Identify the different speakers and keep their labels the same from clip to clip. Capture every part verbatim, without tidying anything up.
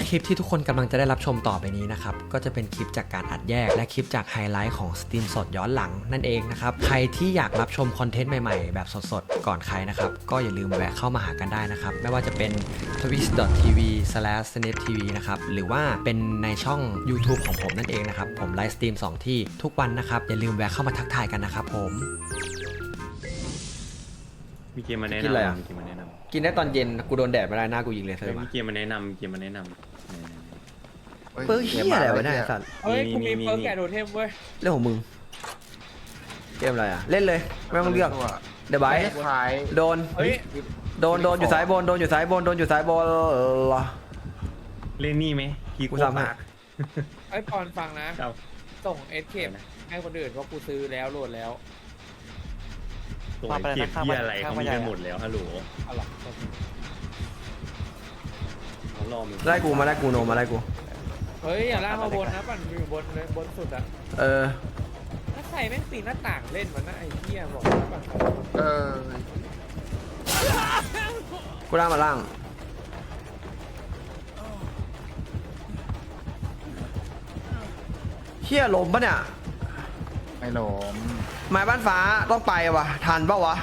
Speaker 1: และคลิปที่ทุกคนกำลังจะได้รับชมต่อไปนี้นะครับก็จะเป็นคลิปจากการอัดแยกและคลิปจากไฮไลท์ของสตรีมสดย้อนหลังนั่นเองนะครับใครที่อยากรับชมคอนเทนต์ใหม่ๆแบบสดๆก่อนใครนะครับก็อย่าลืมแวะเข้ามาหากันได้นะครับไม่ว่าจะเป็น ทวิช ดอท ที วี สแลช เน็ต ที วี นะครับหรือว่าเป็นในช่อง YouTube ของผมนั่นเองนะครับผมไลฟ์สตรีมสองที่ทุกวันนะครับอย่าลืมแวะเข้ามาทักทายกันนะครับผม
Speaker 2: มีเกมมาแนะนำ
Speaker 1: กินอะไรอ่ะ
Speaker 2: มีเกมมาแนะนำ
Speaker 1: กินได้ตอนเย็นกูโดนแดดไม่ได้หน้ากูยิงเลยเธอ
Speaker 2: มี
Speaker 1: มา
Speaker 2: เกมมาแนะนำมีเกมมาแนะนำ
Speaker 1: เปิร์เฮียอะไรวะเนี่ยไอ้สัตว์
Speaker 3: เฮ้ยกูมี
Speaker 2: มี
Speaker 3: เพิร์ก
Speaker 2: มี
Speaker 3: แกะโดเทมเว้ย
Speaker 1: เรื่องของมึงเกมอะไรอ่ะเล่นเลยไม่ต้องเลือกเดี๋ยวไบ
Speaker 4: ไม่ขาย
Speaker 1: โดน
Speaker 3: เฮ้ย
Speaker 1: โดนโดนอยู่ซ้ายบนโดนอยู่ซ้ายบนโดนอยู่ซ้ายบน
Speaker 2: เล่นนี่ไหมกี
Speaker 1: กู
Speaker 2: โก้
Speaker 1: ทำให้
Speaker 2: ปาร์ค
Speaker 3: ไอ้ปอนฟังนะครับ ส่งเอสเคปให้คนอื่นเพราะกูซื้อแล้วโหลดแล้ว
Speaker 2: ตัวเก็บที่อะไรเขามีกันหมดแล้วฮัลโหล
Speaker 3: เอาล่ะ
Speaker 2: เขารอมึง
Speaker 1: ไล่กูมาไล่กูโนมาไล่กู
Speaker 3: เฮ้ยอย่าล่ากมาบนนะปั่นอยู่บนเลยบนสุดอ่ะ
Speaker 1: เออ
Speaker 3: ถ้าใครแม่งปีนหน้าต่างเล่นมันนะไอ้เหี้ยบอกนะปั่น
Speaker 4: เออ
Speaker 1: กูล่างมาล่างเฮียลมปะเนี่ย
Speaker 4: ไม่หลม
Speaker 1: ไม้บ้านฟ้าต้องไปวะทันปะวะ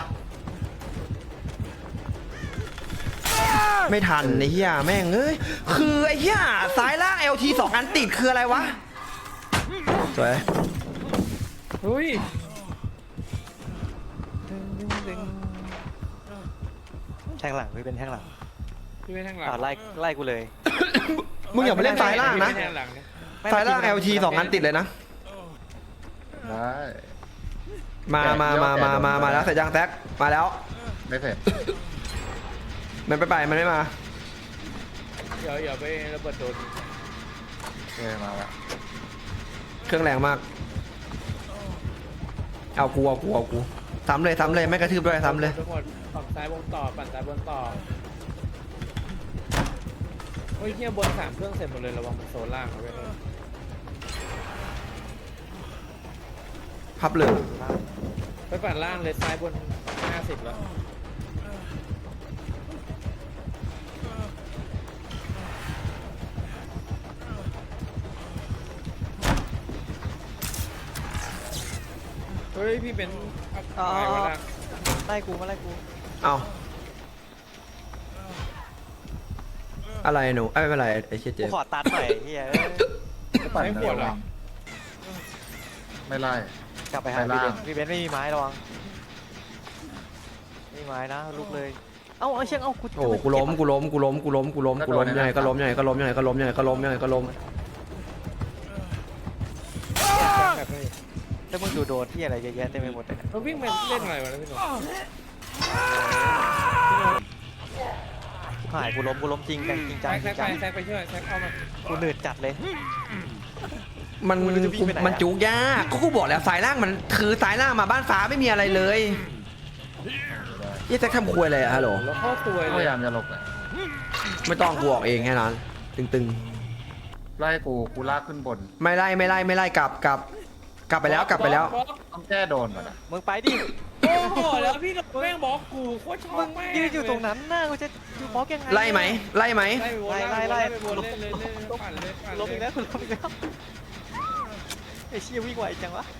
Speaker 1: ไม่ทันไอ้เหี้ยแม่งเอ้ยคือไอ้เหี้ยซ้ายล่าง แอล ที สองอันติดคืออะไรวะสวย
Speaker 3: เฮ้ย
Speaker 5: แทงหลังพี่เป็นแทงหลัง
Speaker 3: พี่ไม่แทงหลัง
Speaker 5: อ่าไล่ไล่กูเลย
Speaker 1: มึงอย่าไปเล่นซ้ายล่างนะ
Speaker 3: พี่ไม่แทงหลังเนี่ย
Speaker 1: ซ้ายล่าง แอล ที สองอันติดเลยนะ
Speaker 4: ได้
Speaker 1: มามามามามามาแล้วเสร็จยังแท็กมาแล้ว
Speaker 4: ไม่เสร็จ
Speaker 1: มันไปไปมันไม่มา
Speaker 3: เดี๋ยวอย่าไประเบิดโดน
Speaker 4: เออมาละ
Speaker 1: เครื่องแรงมากเอากูเอากูเอากูซ้ำเลยซ้ำเลยไม่กระทืบด้วยซ้ำเลย
Speaker 3: ทั้งหมดฝั่งซ้ายวงต่อปั่นซ้ายบนต่อเฮ้ยเหี้ยบนสามเครื่องเสร็จหมดเลยระวังมันโซนล่างเอาไว้เลย
Speaker 1: พับเลย
Speaker 3: ไปปั่นล่างเลยซ้ายบนห้าสิบแล้วเฮ้ยพี่เป็นอะไรวะนะ
Speaker 5: ไล่กูมาไล่กู
Speaker 1: เอาอะไรหนูเอ้ยไม่เป็นไรไอ้เชี่ยเจ๊
Speaker 5: กูขอตัดหน่อยเฮียเอ้ย
Speaker 4: ก็ปั่นเดียววางไม่ไล่
Speaker 5: กลับไปหา
Speaker 4: ไป
Speaker 5: พี่
Speaker 4: ล่าง
Speaker 5: เบนพี่เบนไม่มีไม้ระวังไม่มีไม้นะลุกเลยเอ้าเอาเชียงเอ้ากู
Speaker 1: โอ้กูล้มกูล้มกูล้มกูล้มกูล้มกูล้มยังไงก็ล้มยังไงก็ล้มยังไงก็ล้มยังไงก็ล้มยังไงก็ล้ม
Speaker 3: แบบนี้
Speaker 5: ถ้ามึงดูโดนที่อะไรเยอะแยะเต็มไปหมดเลยเนี่ย
Speaker 3: เราวิ่งไปเล่นอะไรวะนะพี่หนุ่ม
Speaker 5: หายกูล้มกูล้มจริงจังจริงจังจ
Speaker 3: แซ
Speaker 5: ริ
Speaker 3: ก
Speaker 5: ง
Speaker 3: ไป
Speaker 5: จัง
Speaker 3: แซกไปช่วยแซกเอามา
Speaker 5: กูเหนื่อยจัดเลย
Speaker 1: มัน
Speaker 5: กูจะวิ่งไปไหนอะ
Speaker 1: มันจุกยากก็กูบอกแล้วสายล่างมันคือสายล่างมาบ้านฟ้าไม่มีอะไรเลยยี่แจ็คทำควยอะไรอะฮัลโหล
Speaker 3: แล้วเข้าตัว
Speaker 4: พ
Speaker 3: เลย
Speaker 4: ยายามจะหลบเลย
Speaker 1: ไม่ต้องกูออกเองแค่นั้นตึง
Speaker 4: ไล่กูกูลากขึ้นบน
Speaker 1: ๆไม่ไล่ไม่ไล่ไม่ไล่กลับกลับกลับไปแล้วกลับไปแล้ว
Speaker 4: ต้องแก้โดนก่อนนะ
Speaker 5: มึงไปดิ
Speaker 3: โอ้โหแล้วพี่หนุ่มแม่งบอกกูโคตรชอ
Speaker 5: มึ
Speaker 3: บ
Speaker 5: ง
Speaker 3: แม่ง
Speaker 5: ยืนอยู่ตรงนั้นน่ากูจะอยู่บล็อกยังไง
Speaker 1: ไล่ไหมไล่ไหม
Speaker 3: ไล่ไปวน
Speaker 5: ไล่
Speaker 3: ไล่
Speaker 5: ไล่
Speaker 3: ไปวนเล่นเล่นเล่นปั่นเล่นปั่น
Speaker 5: ล้มอีก
Speaker 3: เล่
Speaker 5: แล้
Speaker 3: น
Speaker 5: วกูล้มอีกแล้วไอ้เชี่ยวิ่งไวจังวะ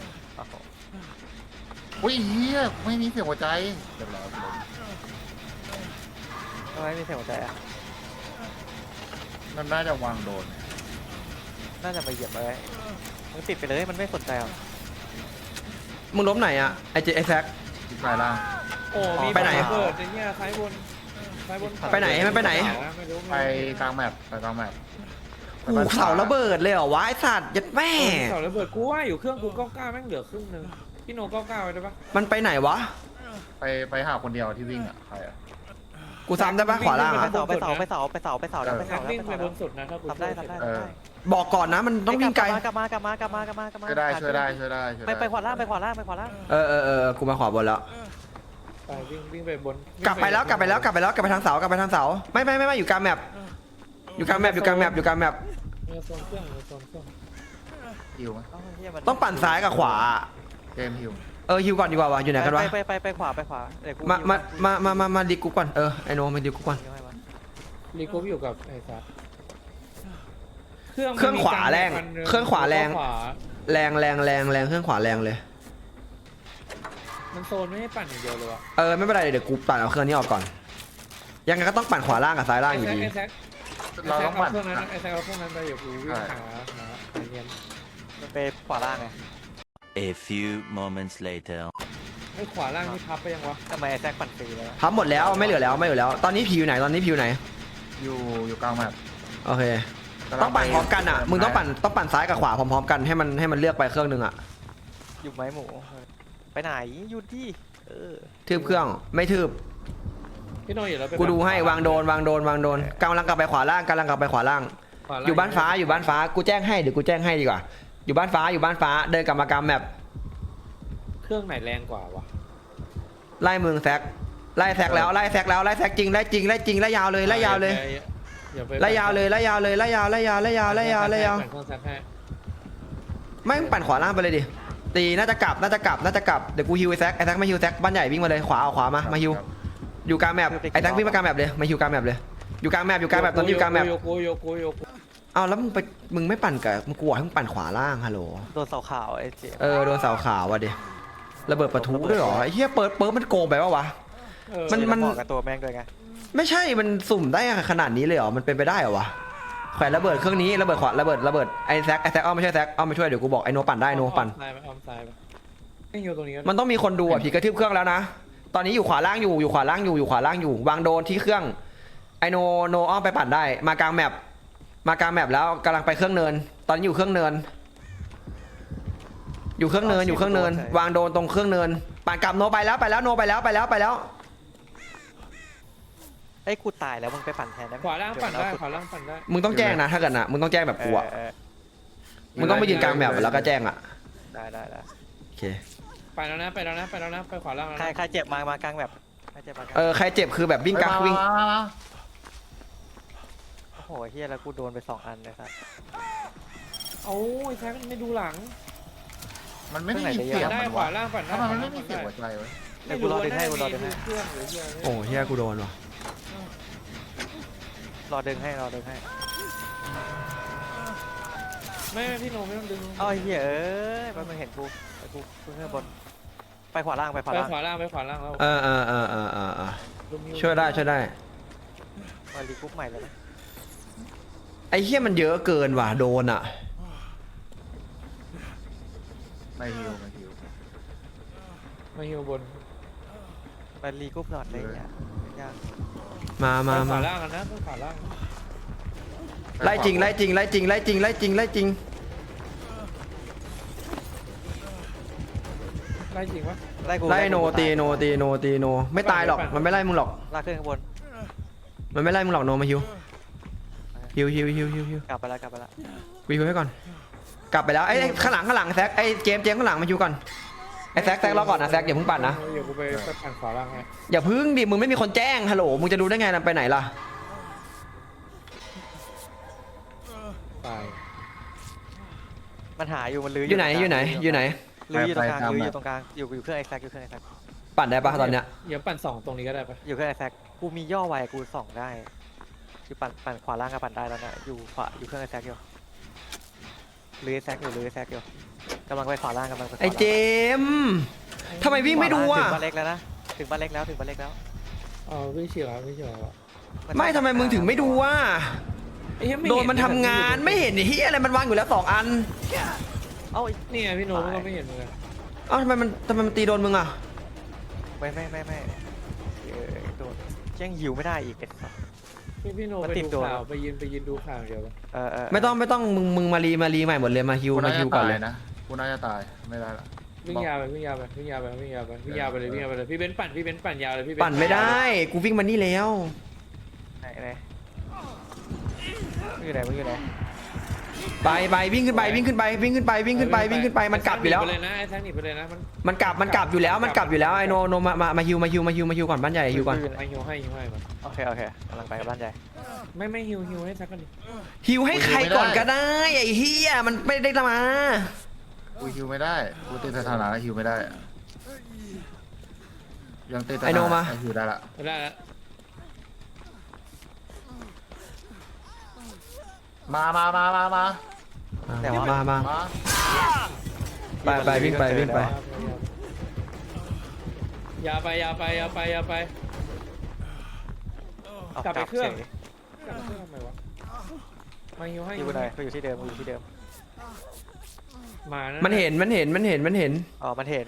Speaker 4: อุ้ยเฮียไม่มีเสียงหัวใจเดี๋ยวรอกูล้ม
Speaker 5: ทำไมมีเสียงหัวใจอ่ะ
Speaker 4: มันน่าจะวางโดน
Speaker 5: น่าจะไปเหยียบอะไรมึงติดไปเลยมันไม่สนใจหรอก
Speaker 1: มึงล้มไหนอะไอเจไอแซค
Speaker 4: ที่ปลายล่าง
Speaker 3: โอ้มี
Speaker 1: ไปไหน
Speaker 3: เปิดไอ้เนี่ยซ้ายบนซ้ายบน
Speaker 1: ไปไหนมันไปไหน
Speaker 3: ม่รู้
Speaker 4: ไปกลางแมปไปกลางแมป
Speaker 1: กูเสาระเบิดเลยเหรอวะไอสัตว์ยัดแม่
Speaker 3: เสาระเบิดกูว่าอยู่เครื่องกูเก้าเก้าแม่งเหลือครึ่งนึงพี่โนเก้าเก้าไปได้ปะ
Speaker 1: มันไปไหนวะ
Speaker 4: ไปไปหาคนเดียวที่วิ่งอ่ะใครอ่ะ
Speaker 1: กูซ้ำได้ปะขวาล่าง
Speaker 5: ไป
Speaker 1: อะ
Speaker 5: เสาไปเสาไปเสาไปเสาไปเสาแล้วไป
Speaker 3: แม็
Speaker 5: เสาก แล้ว
Speaker 3: วิ่ง
Speaker 5: ไป
Speaker 3: ไป
Speaker 5: เสา
Speaker 3: บนสุดนะถ้ากู
Speaker 5: ทำได้ทำได้
Speaker 4: เอ
Speaker 5: ทำ
Speaker 4: อ
Speaker 5: ได้
Speaker 1: บอกก่อนนะมันต้องวิ่งไกล
Speaker 5: กลับมากลับมากลับมากลับมากลับมา
Speaker 4: ช่วยได้ช่วยได้ช่วยได้ช่วย
Speaker 5: ไป
Speaker 4: ได้
Speaker 5: ไปขวาล่างไปขวาล่างไปขวาล่าง
Speaker 1: เออเออเออกูมาขวาบนแล้ว
Speaker 3: ไปวิ่งวิ่งไปบน
Speaker 1: กลับไปแล้วกลับไปแล้วกลับไปแล้วกลับไปทางเสากลับไปทางเสาไม่ไม่ไม่ไม่อยู่กลางแมปอยู่กลางแมปอยู่กลางแมปอยู่กลางแมป
Speaker 3: เนื้อโซนเครื่องเนื้อโซนเครื่อง
Speaker 4: ฮิวไหม
Speaker 1: ต้องปั่นซ้ายกับขวา
Speaker 4: เกมฮิว
Speaker 1: เออฮิวก่อนดีกว่าวะอยู่ไหนกันวะ
Speaker 5: ไปไปไปไปขวาไปขวาเดี๋ยวกู
Speaker 1: มามามามามามาดีกูก่อนเออไอโนมาดีกูก่อน
Speaker 3: รีกูอยู่กับไอ้สัสเครื่อง
Speaker 1: เครื่องขวาแรง
Speaker 3: มันมี
Speaker 1: เครื่องขวาแรง
Speaker 3: ขวา
Speaker 1: แรงแรงแรงแรงเครื่องขวาแรงเลย
Speaker 3: มันโซนไม่ให้ปั่นอย่างเดียวเลยวะ
Speaker 1: เออไม่เป็นไรเดี๋ยวกูปั่นเอาเครื่องนี้ออกก่อน ยังไงก็ต้องปั่นขวาล่างกับซ้ายล่างอยู่ดี
Speaker 3: ไอ้แซค
Speaker 4: เราต้องปั่น
Speaker 3: ไอ้แซคเอาเครื่องนั้นไอ้แซคเอาเครื่องนั้นไปเดี๋ยวกูวิ่ง
Speaker 4: ใช่
Speaker 3: หาหาไอ้เงี้ย
Speaker 5: มันไปขวาล่างไง
Speaker 6: A few moments later.
Speaker 3: ไอ้ขวาล่างนี่พับไปยังวะ
Speaker 5: ทำไมไอ้แซกปั่นฟรีแล้ว
Speaker 1: พับหมดแล้วไม่เหลือแล้วไม่เหลือแล้ว ตอนนี้ผิวไหนตอนนี้ผิวไหน
Speaker 4: อยู่อยู่กลางแมป
Speaker 1: โอเค ต้องปั่นพร้อมกันอ่ะมึงต้องปั่นต้องปั่นซ้ายกับขวาพร้อมๆกันให้มันให้มันเลือกไปเครื่องนึงอ่ะ
Speaker 5: อยู่ไหมหมูไปไหนหยุดดิเออ
Speaker 1: ทืบเครื่องไม่ทืบ
Speaker 3: พี่โนอยู่แล้วไป
Speaker 1: กูดูให้วางโดนวางโดนวางโดนกำลังกลับไปขวาล่างกำลังกลับไปขวาล่าง
Speaker 3: ขวล่ง
Speaker 1: อยู่บ้านฟ้าอยู่บ้านฟ้ากูแจ้งให้เดี๋ยวกูแจ้งให้ดีกว่า อยู่บ้านฟ้าอยู่บ้านฟ้าเดินกลับมากลางแมป
Speaker 3: เครื่องไหนแรงกว่าวะ
Speaker 1: ไล่มึงแซกไล่แซกแล้วไล่แซกแล้วไล่แซกจริงไล่จริงไล่จริงไล่ยาวเลยไล่ยาวเลย
Speaker 3: อย่าไป
Speaker 1: ไล่ยาวเลยไล่ยาวเลยไล่ยาวไล่ยาวไล่ยาวไล่ยาวไล่ยาว
Speaker 3: ปั่นเครื่องแซคให้
Speaker 1: ไม่มึงปั่นขวาล่างไปเลยดิตีน่าจะกลับน่าจะกลับน่าจะกลับเดี๋ยวกูฮิวไอ้แซกไอ้แซกไม่ฮิวแซกบ้านใหญ่วิ่งมาเลยขวาเอาขวามามาฮิวอยู่กลางแมปไอ้แซกวิ่งมากลางแมปเลยมาฮิวกลางแมปเลยอยู่กลางแมปอยู่กลางแมปตอนนี้อยู่กลางแมป
Speaker 3: โยโกโยโกโยโก
Speaker 1: เอาแล้วมึงไปมึงไม่ปั่นกับมึงกลัวให้มึงปั่นขวาล่างฮัลโหล
Speaker 5: โดนเสาขาวไอ้เจ๊
Speaker 1: เออโดนเสาขาวว่ะดิระเบิดประทุด้วยเหรอไอ้เหี้ยเปิดเปิดมันโกงไปปะวะ
Speaker 3: เออ
Speaker 1: มัน
Speaker 5: เหมาะกับตัวแม่งด้วยไง
Speaker 1: ไม่ใช่มันสุ่มได้ขนาดนี้เลยเหรอมันเป็นไปได้เหรอวะแขวนระเบิดเครื่องนี้ระเบิดขวาระเบิดระเบิดไอ้แซกไอ้แซกอ้อมไม่ใช่แซกอ้อมมาช่วยเดี๋ยวกูบอกไอ้โนปั่นได้โนปั่น
Speaker 3: ซ้ายไปออมซ้ายไปไม่อยู่ตรงนี้ก็
Speaker 1: มันต้องมีคนดูอ่ะผีกระทืบเครื่องแล้วนะตอนนี้อยู่ขวาล่างอยู่อยู่ขวาล่างอยู่อยู่ขวาล่างอยู่วางโดนที่เครื่องไอโนโนอ้อมไปปั่นได้มากลางแมปมากลางแมปแล้วกำลังไปเครื่องเนิน ตอนนี้อยู่เครื่องเนิน อยู่เครื่องเนินอยู่เครื่องเนิน วางโดนตรงเครื่องเนินปั่นกลับโนไปแล้วไปแล้วโนไปแล้วไปแล้วไปแล้ว
Speaker 5: ไอ้กูตายแล้วมึงไปปั่นแทนได้ไหม
Speaker 3: ขวาล่างปั่นได้ขวาล่างปั่นได้
Speaker 1: มึงต้องแจ้งนะถ้าเกิดนะมึงต้องแจ้งแบบกูอ่ะ
Speaker 5: เออ
Speaker 1: มึงต้องไปยืนกลางแมปแล้วก็แจ้งอ่ะ
Speaker 5: ได้ได้ได้
Speaker 1: โอเค
Speaker 3: ไปแล้วนะไปแล้วนะไปแล้วนะไปขวาล่างแล้ว
Speaker 5: ใคร
Speaker 3: นะ
Speaker 5: ใครเจ็บมามากลางแบบใครเจ็บมากลาง
Speaker 1: เออใครเจ็บคือแบบวิ่งกลางวิ่ง
Speaker 4: มามามา
Speaker 5: โอ้โหเฮียแล้วกูโดนไปสองอันเลยครับ
Speaker 3: โอ้ยแซคไม่ดูหลัง
Speaker 4: มันไม่ได้ยินเสียง
Speaker 3: ได้
Speaker 4: มัน
Speaker 3: ขวาว
Speaker 4: ะ
Speaker 3: ล่างปั่นได้
Speaker 4: ถ้ามันไม่มีเสียงหัวใจไว้
Speaker 5: เดี๋ยวกูรอดึงให้กูรอดึงให้
Speaker 3: เครื่องหรือเหี้ย
Speaker 1: โอ้เฮียกูโดนว่ะ
Speaker 5: รอดึงให้รอดึงให้
Speaker 3: ไม่ไม่พี่โนไม่ต้องดึง
Speaker 5: เอ้าเฮียเอ้ยมันเห็นกูไปกูขึ้นข้างบนไปขวาล่างไปขวา
Speaker 3: ไป
Speaker 5: ล่าง
Speaker 3: ขวาล่างไปขวาล่างแล้ว
Speaker 1: เออเออเออเออเออเออ
Speaker 3: ลุม
Speaker 1: ช่วยได้ช่วยได้
Speaker 5: มารีกรุ๊ปใหม่แล้วนะ
Speaker 1: ไอ้เฮียมันเยอะเกินว่ะโดนอ่ะ
Speaker 4: ไม่ฮิวไม่ฮิว
Speaker 3: มาฮิวบน
Speaker 5: มารีกรุ๊ปหลอดเลยเนี่ยยาก
Speaker 1: มามา
Speaker 3: ไปข
Speaker 1: มา
Speaker 3: วาล่างกันนะไปขวาล่าง
Speaker 1: ไล่จริงไล่จริงไล่จริงไล่จริงไล่จริงไล่จริง
Speaker 3: ไล่จริงวะ
Speaker 5: ไล่กู
Speaker 1: ไล่โน
Speaker 5: กู
Speaker 1: ตีโนตีโนตีโนไม่ตายหรอกมันไม่ไล่มึงหรอก
Speaker 5: ลากขึ้นข้างบน
Speaker 1: มันไม่ไล่มึงหรอกโนมาฮิวฮิวฮิวฮิวฮิวฮิว
Speaker 5: กลับไปแล้วกลับไปแล้ว
Speaker 1: กูฮิวให้ก่อนกลับไปแล้วไอ้ไอ้ข้างหลังข้างหลังแซกไอ้เจมส์เจมส์ข้างหลังมาฮิวก่อนไอ้แซกแซกรอก่อนนะแซกอย่าเพิ่งปั่นนะ
Speaker 3: เดี๋ยวกูไปไปปั่นขวาล่างให้
Speaker 1: อย่าพึ่งดิมึงไม่มีคนแจ้งฮัลโหลมึงจะดูได้ไงล่ะไปไหนล่ะ
Speaker 3: ตาย
Speaker 5: มันหาอยู่มันลื้อ
Speaker 1: อยู่ไหนอยู่ไหนอยู่ไหน
Speaker 5: ลื้ออยู่ตรงกลางลื้ออยู่ตรงกลางอยู่อยู่เครื่องไอแซกอยู่เครื่องไอแซก
Speaker 1: ปั่นได้ปะตอนเนี้ย
Speaker 3: เดี๋ยวปั่นสองตรงนี้ก็ได้ปะ
Speaker 5: อยู่เครื่องไอแซกกูมีย่อไวกูส่องได้คือปั่นปั่นขวาล่างกับปั่นได้แล้วนะอยู่ขวาอยู่เครื่องไอแซกอยู่ลื้อไอแซกอยู่ลื้อไอแซกอยู่กำลังไปขวาล่างกำลังไปขวาล่าง
Speaker 1: ไอ้เจมส์ทำไมวิ่งไม่ดู
Speaker 5: ถึ
Speaker 1: อ่ะ
Speaker 5: งบ้านเล็กแล้วนะถึงบ้านเล็กแล้วถึงบ้านเล็กแล้ว
Speaker 3: อ๋อวิ่งเฉียววิ่งเฉียว
Speaker 1: ไม่ทำไมมึงถึงไม่ดูอ่ะโดนมันทำงานไม่เห็นไอ้เฮียอะไรมันวางอยู่แล้วสองอัน
Speaker 5: เอ้า
Speaker 3: นี่ไงพี่โนมันก็ไม่เห็นเหมือนกัน
Speaker 1: เอ้าทำไมมันทำไมมันตีโดนมึงอ่ะ
Speaker 5: ไม่ไม่ไม่ไม่เออโดนแจ้งหิวไม่ได้อีกเด็ด
Speaker 3: พี่พี่โน
Speaker 5: มัน
Speaker 3: ไป
Speaker 5: ติด
Speaker 3: ดู
Speaker 5: ตัว
Speaker 3: ข่าวไปยืนไปยืนดูข่าวเดียว
Speaker 5: เออเออ
Speaker 1: ไม่ต้องไม่ต้องมึงมึงมารีมารีใหม่หมดเลยมาฮิว
Speaker 4: กู
Speaker 1: มา
Speaker 4: น่า
Speaker 1: ฮิ
Speaker 4: จะ
Speaker 1: วก่อน
Speaker 4: ตาย
Speaker 1: เลย
Speaker 4: นะกูน่าจะตายไม่ได้ละ
Speaker 3: วิ่งยาวไปวิ่งยาวไปวิ่งยาวไปวิ่งยาวไปวิ่งยาวไปเลยวิ่งยาวไปเลยพี่เบนซ์ปั่นพี่เบนซ์ปั่นยาวเลยพี่เบนซ์
Speaker 1: ปั่นไม่ได้กูวิ่งมานี่แล้ว
Speaker 5: ไหนไหนมึงอยู่ไหนมึงอยู่ไหน
Speaker 1: ไปไปวิ่งขึ้นไปวิ่งขึ้นไปวิ่งขึ้นไปวิ่งขึ้นไปวิ่งขึ้นไปมันกลับอยู่แล้ว
Speaker 3: ไปเลยนะไอ้แซงหนีไปเลยนะมัน
Speaker 1: มันกลับมันกลับอยู่แล้วมันกลับอยู่แล้วไอโนโนมามามาฮิวมาฮิวมาฮิวมาฮิวก่อนบ้านใหญ่ฮิวก่อน
Speaker 3: ให้ฮิวให้ฮิวให้มัน
Speaker 5: โอเคโอเคกำลังไปกับบ้านใหญ่
Speaker 3: ไม่ไม่ฮิวฮิวให้แซกกันดิ
Speaker 1: ฮิวให้ใครก่อนก็ได้ไอ้เฮียมันไม่ได้มา
Speaker 4: กูฮิวไม่ได้กูติดสถานะฮิวไม่ได้ยังติดสถา
Speaker 1: ไอโนมา
Speaker 4: นะฮิวได้ละ
Speaker 3: ได้แล้ว
Speaker 4: มามามามามา
Speaker 5: แต่ว่า
Speaker 1: มามา
Speaker 4: มา
Speaker 1: ไปไปวิ่งไปวิ่งไป
Speaker 3: อย่าไปอย่าไปอย่าไปอย่าไป
Speaker 5: เอา
Speaker 3: กลับไปเครื่อง
Speaker 5: ฉย
Speaker 3: กลับเครื่องทำไมวะมาฮิวให้
Speaker 5: อยู่ไหนกูอยู่ที่เดิมกูอยู่ที่เดิม
Speaker 3: มานะ
Speaker 1: มันเห็นมันเห็นมันเห็นมันเห็น
Speaker 5: อ๋อมันเห็น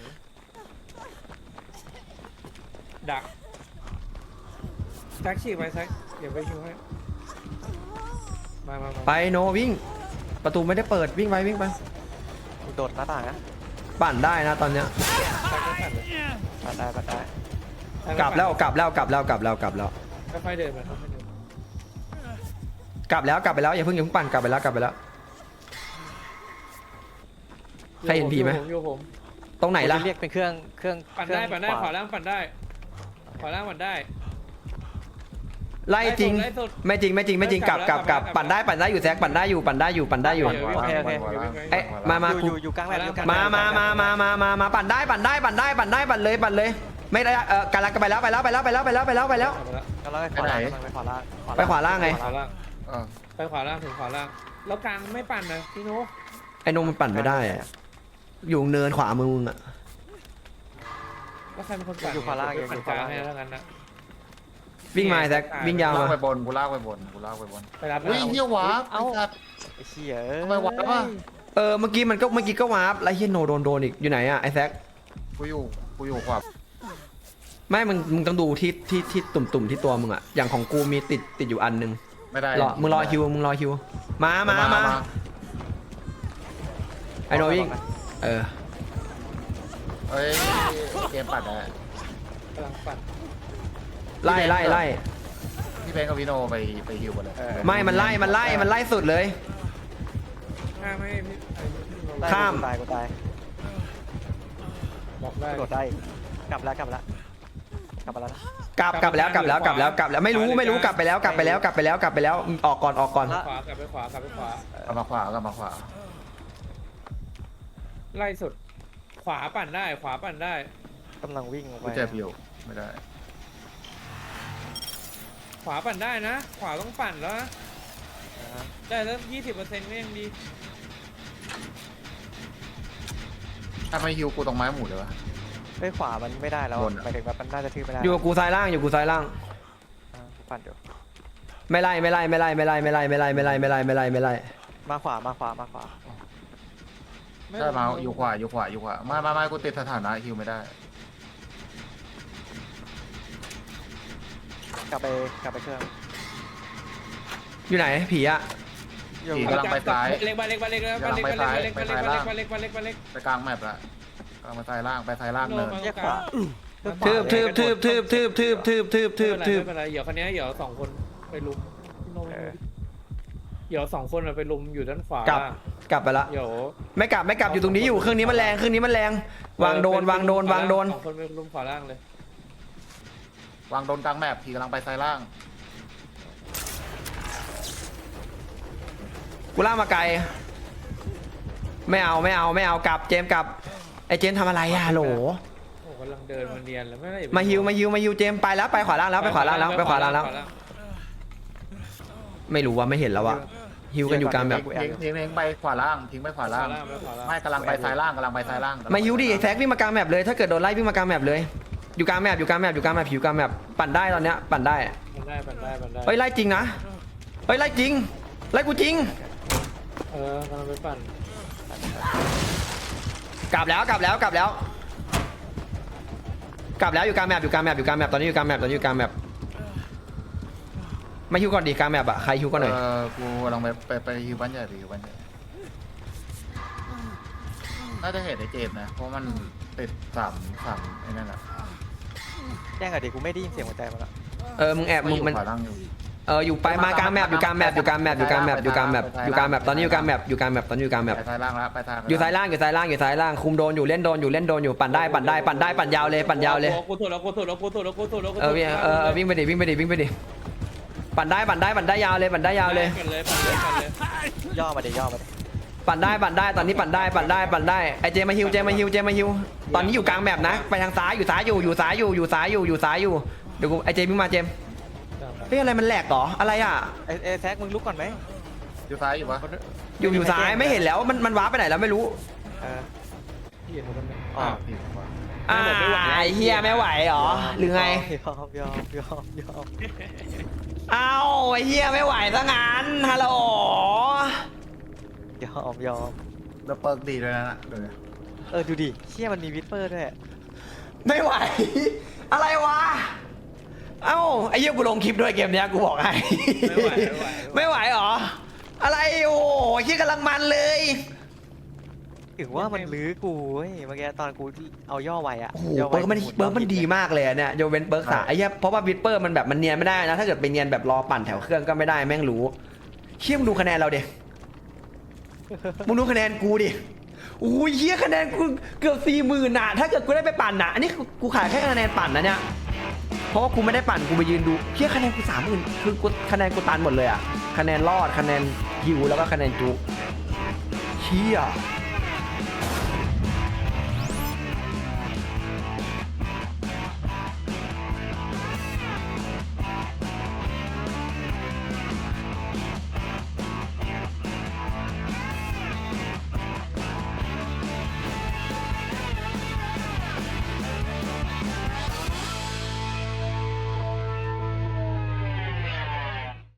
Speaker 3: ดักแซกฉีกไปแซกเดี๋ยวไปฮิวให้มามามา
Speaker 1: ไปโนวิ่ง ประตูไม่ได้เปิดวิ่งไปวิ่งไป
Speaker 5: กูโดดหน้าต่างนะ
Speaker 1: ปั่นได้นะตอนเนี้ย
Speaker 3: แซกก็ปั่นเลย
Speaker 5: ปัดได้ปัดได้
Speaker 1: กลับแล้วกลับแล้วกลับแล้วกลับแล้วกลับแล้ว
Speaker 3: ค่อยๆเดินมาค่อยๆเดิน
Speaker 1: กลับแล้วกลับไปแล้วอย่าเพิ่งอย่าเพิ่งปั่นกลับไปแล้วกลับไปแล้ว ใครเห็นผีไหม
Speaker 3: อยู่ผมอยู่ผม
Speaker 1: ตรงไหนล่ะ
Speaker 5: กูจเรียกเป็นเครื่องเครื่อง
Speaker 3: ปั่น
Speaker 5: เครื่
Speaker 3: ได้
Speaker 5: อง
Speaker 3: ปั่นได้
Speaker 5: ข
Speaker 3: ขวาว
Speaker 5: า
Speaker 3: ล่างปั่นได้ขวาล่างปั่นได้
Speaker 1: ไล่จริง
Speaker 3: ไล่สุด
Speaker 1: ไม่จริงไม่จริงไม่จริงกลับกลับกลับปั่นได้ปั่นได้อยู่แซกปั่นได้อยู่ปั่นได้อยู่ปั่นได้อยู่
Speaker 5: โอเคโอเค
Speaker 1: เอ๊ะมามา
Speaker 5: อยู่อยู่อยู่กลางแบบอยู่กลาง
Speaker 1: มามามามามามามาปั่นได้ปั่นได้ปั่นได้ปั่นได้ปั่นเลยปั่นเลย ไม่ได้เออกำลังไปแล้วไปแล้วไปแล้วไปแล้วไปแล้วไปแล้วไปแล้ว
Speaker 3: กลับมาแล้ว
Speaker 5: กำลังไปขวาล่างกำลังไปขวาล่าง
Speaker 1: ไปขวาล่างไง
Speaker 3: ขวาล่าง
Speaker 4: เออ
Speaker 3: ไปขวาล่างถึงขวาล่างแล้วกลางไม่ปั่นนะพี่โน้
Speaker 1: ไอ้นมมันปั่นไม่ได้อะอยู่เนินขวามือมึงอะ
Speaker 3: แล้วใครเป็นคนปั่น
Speaker 5: อยู่ขวาล่าง
Speaker 3: เดี๋ยว
Speaker 5: อยู่
Speaker 3: ปั่น
Speaker 5: ข
Speaker 3: ก
Speaker 5: วา
Speaker 3: ลาง
Speaker 5: ล่าง
Speaker 3: ให้แล้วกันนะ
Speaker 1: วิ่งมาแซกวิ่งยาว
Speaker 4: ลาก
Speaker 1: มา
Speaker 4: ไปบนกูลากไปบนกูลากไปบน
Speaker 3: ไปรับ
Speaker 4: อุ้ยเหี้ยวะ
Speaker 5: เอ้า
Speaker 4: ไอ้สัตว์
Speaker 5: ไอ้เชี่ย
Speaker 4: ทำไมวะวะ
Speaker 1: เออเมื่อกี้มันก็เมื่อกี้ก็วาร์ปแล้วเฮียโนโดนโดนอีกอยู่ไหนอะไอ้แซก
Speaker 4: กูอยู่กูอยู่ขวา
Speaker 1: ไม่มึงมึงต้องดูที่ที่ที่ตุ่มตุ่มๆที่ตัวมึงอะอย่างของกูมีติดติดอยู่อันนึง
Speaker 4: ไม่ได้
Speaker 1: รอมึงรอฮิวมึงรอฮิวมามามาไอ้โนวิ่งเออ
Speaker 4: เอ้ยเกมปัดอะ
Speaker 3: กำลังปั่น
Speaker 1: ไล่ไล่ไล่
Speaker 4: พี่เพงกับพี่โนไปไปฮิวกันเลย
Speaker 1: ไม่มันไล่มันไล่มันไล่สุดเลย
Speaker 3: ข้ามให้พี่ไอ้พี่โน้
Speaker 1: ข้าม
Speaker 5: ตายกูตาย
Speaker 3: บอกได้
Speaker 5: กูโดดได้กลับแล้วกลับแล้วกลับมาแล้วนะ
Speaker 1: กลับกลับแล้วกลับแล้วกลับแล้วกลับแล้วไม่รู้ไม่รู้กลับไปแล้วกลับไปแล้วกลับไปแล้วกลับไปแล้วออกก่อนออกก่อน
Speaker 3: ขวากลับไปขวากลับไปขวาก
Speaker 4: ลับมาขวากลับมาขวา
Speaker 3: ไล่สุด ขวาปั่นได้ ขวาปั่นได้
Speaker 5: กำลังวิ่งออกไป
Speaker 4: กูเจ็บอยู่ไม่ได้
Speaker 3: ขวาปั่นได้นะ ขวาต้องปั่นแล้วนะ
Speaker 5: นะฮะ
Speaker 3: ได้แล้วยี่สิบเปอร์เซ็นต์ก็ยังดี
Speaker 4: ถ้าไม่ฮิวกูตรงไม้หมูเลยวะ
Speaker 5: เฮ้ยขวามันไม่ได้แล้ว
Speaker 4: บนอะ
Speaker 5: หมายถึงว่ามันน่าจะทื่อไม่ได้
Speaker 1: อยู่กับกูซ้ายล่างอยู่กูซ้ายล่าง
Speaker 5: อ่ากูปั่นอยู่
Speaker 1: ไม่ไล่ไม่ไล่ไม่ไล่ไม่ไล่ไม่ไล่ไม่ไล่ไม่ไล่ไม่ไล่ไม่ไล่ไม่ไล่
Speaker 5: มาขวามาขวามาขวา
Speaker 4: ใช่มาอยู่ขวาอยู่ขวาอยู่ขวามามามากูติดสถานะฮิวไม่ได้
Speaker 5: กลับไปกลับไปเครื่อง
Speaker 1: อยู่ไหนผีอะ
Speaker 5: อยู่
Speaker 4: ผีกำลังไปซ้าย
Speaker 3: เล็กไปเล็กไปเล็กไปเล็กไปเล็กไปเล็กไปเล็กไปเล็กไปเล็กไปเล็กไปเล็ก
Speaker 4: ไปกลางแมปละกลางมาซ้ายล่างไปซ้ายล่างเนิน
Speaker 5: แยกขวา
Speaker 1: ทืบทืบทืบทืบทืบทืบทืบทืบทืบทืบ
Speaker 3: ไม่เป็นไรเดี๋ยวคันนี้เดี๋ยวสองคนไปลุมพี่โน้เดี๋ยวสองคนไปลุมอยู่ด้านขวาก
Speaker 1: ลับกลับไปละ
Speaker 3: เดี๋ยว
Speaker 1: ไม่กลับไม่กลับอยู่ตรงนี้อยู่เครื่องนี้มันแรงเครื่องนี้มันแรงวางโดนวางโดนวางโดน
Speaker 3: สองคนไปลุมขวาล่างเลยว
Speaker 4: างโดนกลางแมปผีกำลังไปซ้ายล่าง
Speaker 1: กูล่ากมาไกลไม่เอาไม่เอาไม่เอากลับเจมส์กลับไอ้เจมส์ทำอะไรอะโหล
Speaker 3: โอ้กำลังเดินมาเนียนแล้วไม่ได้
Speaker 1: มาฮิวมาฮิวมาฮิวเจมส์ไปแล้วไปขวาล่างแล้วไปขวาล่างแล้วไปขวาล่างแล้ว ไม่รู้ว่าไม่เห็นแล้วอะฮิวกันอยู่กลางแบบ
Speaker 4: ทิ้งทิ้งทิ้งไปขวาล่างทิ้งไปขวาล่าง ไม่กำลังไปซ้ายล่างกำลังไปซ้ายล่าง
Speaker 1: มาฮิวดิแซกวิ่งมากลางแมปเลยถ้าเกิดโดนไล่วิ่งมากลางแมปเลย อยู่กลางแมปอยู่กลางแมปอยู่กลางแมปผิวกลางแมปปั่นได้ตอนเนี้ยปั่นได้
Speaker 3: ปั่นได้ปั่นได้ปั่นได้
Speaker 1: เฮ้ยไล่จริงนะเฮ้ยไล่จริงไล่กูจริง
Speaker 3: เออกำลังไปปั่น
Speaker 1: กลับแล้วกลับแล้วกลับแล้ว กลับแล้วอยู่กลางแมปอยู่กลางแมปอยู่กลางแมปตอนนี้อยู่กลางแมปตอนนี้อยู่กลางแมปมาฮิวก่อนดิกลางแมปอะใครฮิวก่อนหน่อย
Speaker 4: เออกูกำลังไปไปไปฮิวบ้านใหญ่ไปฮิวบ้านใหญ่น่าจะเห็นไอ้เจมนะเพราะมันติดสามสามไอ้นั่นแหละ
Speaker 5: แจ้งอะดิกูไม่ได้ยินเสียงหัวใจมันละ
Speaker 1: เออมึงแอบมึงมัน
Speaker 4: ขวาล่างอยู่
Speaker 1: เอออยู่ไปมากลางแมปอยู่กลางแมปอยู่กลางแมปอยู่กลางแมปอยู่กลางแมปอยู่กลางแมปตอนนี้อยู่กลางแมปอยู่กลางแมปตอนนี้อยู่กลางแมป
Speaker 4: ไปซ้ายล่างแล้วไปทาง
Speaker 1: อยู่ซ้ายล่างอยู่ซ้ายล่างอยู่ซ้ายล่างคุมโดนอยู่เล่นโดนอยู่เล่นโดนอยู่ปั่นได้ปั่นได้ปั่นได้ปั่นยาวเลยปั่นยาวเลย
Speaker 3: กูถูกแล้วกูถูกแล้วกูถูกแล้วกูถูกแล้ว
Speaker 1: เออวิ่งเออเออวิ่งไปดิวิ่งไปดิวิ่งไปดิปั่นได้ปั่นได้ปั่นได้ยาวเลยปั่นได้ยาวเลย
Speaker 3: ปั่นเลยปั่นเลยปั่นเลย
Speaker 5: ย่อมาดิย่อมาดิ
Speaker 1: ปั่นได้ปั่นได้ตอนนี้ปั่นได้ปั่นได้ปั่นได้ไอเจมาฮิวเจมาฮิวเจมาฮิวตอนนี้อยู่กลางแมปนะไปทางซ้ายอยู่ซ้ายอยู่อยู่ซ้ายอยู่อยู่ซ้ายอยู่อยู่ซ้ายอยู่เดี๋ยวกูไอเจวิ่งมาเจมเฮ้ยอะไรมันแหลกเหรออะไรอ่ะ
Speaker 5: ไอ้ไอ้แซกมึงลุกก่อนไหม
Speaker 4: อยู่ซ้ายอยู่ปะ
Speaker 1: อยู่อยู่ซ้ายไม่เห็นแล้วมันมันว้าร์ปไปไหนแล้วไม่รู้
Speaker 5: เออ
Speaker 3: พี่เห็นมันไหม
Speaker 5: อ๋อ
Speaker 4: ผิดว่ะ
Speaker 1: อ่าไอ้เฮียไม่ไหวเหรอหรือไง
Speaker 5: ยอมยอมยอมยอม
Speaker 1: เอ้าไอ้เฮียไม่ไหวซะงั้นฮัลโหล
Speaker 5: ยอมยอม
Speaker 4: แล้วเปิร์กดีด้วยนะเดี๋ยวนะ
Speaker 5: เออดูดิเชี่ยมันมีวิสเปอร์ด้วย
Speaker 1: ไม่ไหว อะไรวะเอ้าไอ้เฮียกูลงคลิปด้วยเกมเนี้ยกูบอกให้
Speaker 3: ไม่ไหวไม่ไหว
Speaker 1: ไม่ไหวเหรออะไรโอ้ยเฮียกำลังมันเลย
Speaker 5: ถึงว่ามันลื้อกูเว้ยเมื่อกี้ตอนกูเอาย่อไวอะ
Speaker 1: โอ้โห
Speaker 5: ย่อไว
Speaker 1: เบิร์กมันเบิร์กมันดีมากเลยอะเนี่ยโยเวนเบิร์กสาไอ้เหี้ยเพราะว่าวิสเปอร์มันแบบมันเนียนไม่ได้นะถ้าเกิดไปเนียนแบบรอปั่นแถวเครื่องก็ไม่ได้แม่งรู้เชี่ยมงดูคะแนนเราดิมึงดูคะแนนกูดิโอ้ยเหี้ยคะแนนกูเกือบสี่หมื่นน่ะถ้าเกิดกูได้ไปปั่นน่ะอันนี้กูขายแค่คะแนนปั่นนะเนี่ยเพราะว่ากูไม่ได้ปั่นกูไปยืนดูเชี่ยคะแนนกูสามหมื่นคือกูคะแนนกูตันหมดเลยอะคะแนนรอดคะแนนฮิวแล้วก็คะแนนจุกเชี่ย